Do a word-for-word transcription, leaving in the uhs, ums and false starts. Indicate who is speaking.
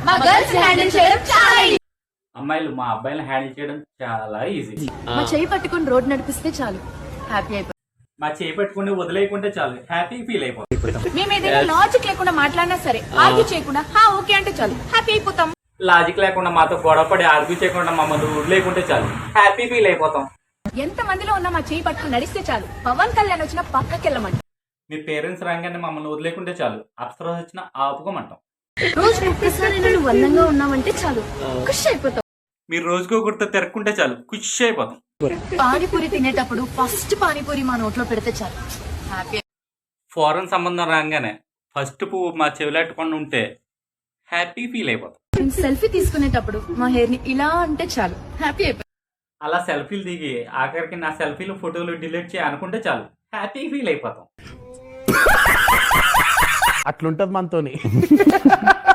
Speaker 1: మా girls handle చేయడం చాలా ఈజీ.
Speaker 2: అమ్మాయిలు మా అబ్బాయిలను హ్యాండిల్ చేయడం చాలా ఈజీ.
Speaker 1: మా చేయి పట్టుకుని రోడ్ నడిపిస్తే చాలు హ్యాపీ అయిపోతాం.
Speaker 2: మా చేయి పెట్టుకుని వదిలేయకుంటే చాలు హ్యాపీ ఫీల్ అయిపోతాం.
Speaker 1: మేము ఏదైనా లాజిక్ లేకుండా మాట్లాడినా సరే ఆర్గ్యూ చేయకుండా హా ఓకే అంటే చాలు హ్యాపీ అయిపోతాం.
Speaker 2: లాజిక్ లేకుండా మాతో గొడవపడి ఆర్గ్యూ చేయకుండా మమ్మల్ని వదిలేకుంటే చాలు హ్యాపీ ఫీల్ అయిపోతాం.
Speaker 1: ఎంత మందిలో ఉన్నా మా చేయి పట్టుకుని నడిస్తే చాలు పవన్ కళ్యాణ్ వచ్చిన పక్కకెళ్ళమంటాం.
Speaker 2: మీ పేరెంట్స్ రాగానే మమ్మల్ని వదిలేకుంటే చాలు అప్సరా వచ్చిన ఆపుకోమంటాం.
Speaker 1: రోజు ఒక్కసారి నువ్వు అందంగా ఉన్నావంటే చాలు ఖుషి అయిపోతాం.
Speaker 2: మీరు రోజుకో గుర్తు తిరగకుంటే చాలు ఖుషి అయిపోతాం.
Speaker 1: పానీపూరి తినేటప్పుడు ఫస్ట్ పానీపూరి మా నోట్లో పెడితే చాలు హ్యాపీ.
Speaker 2: ఫారెన్ సంబంధం రాగానే ఫస్ట్ పువ్వు మా చెవిలాట్టుకుండా ఉంటే హ్యాపీ ఫీల్ అయిపోతాం.
Speaker 1: సెల్ఫీ తీసుకునేటప్పుడు మా హెయిర్ ని ఇలా అంటే చాలు హ్యాపీ అయిపోతాం.
Speaker 2: అలా సెల్ఫీలు దిగి ఆఖరికి నా సెల్ఫీలు ఫోటోలు డిలీట్ చేయ అనుకుంటే చాలు హ్యాపీ ఫీల్ అయిపోతాం.
Speaker 3: అట్లుంటది మనతోని.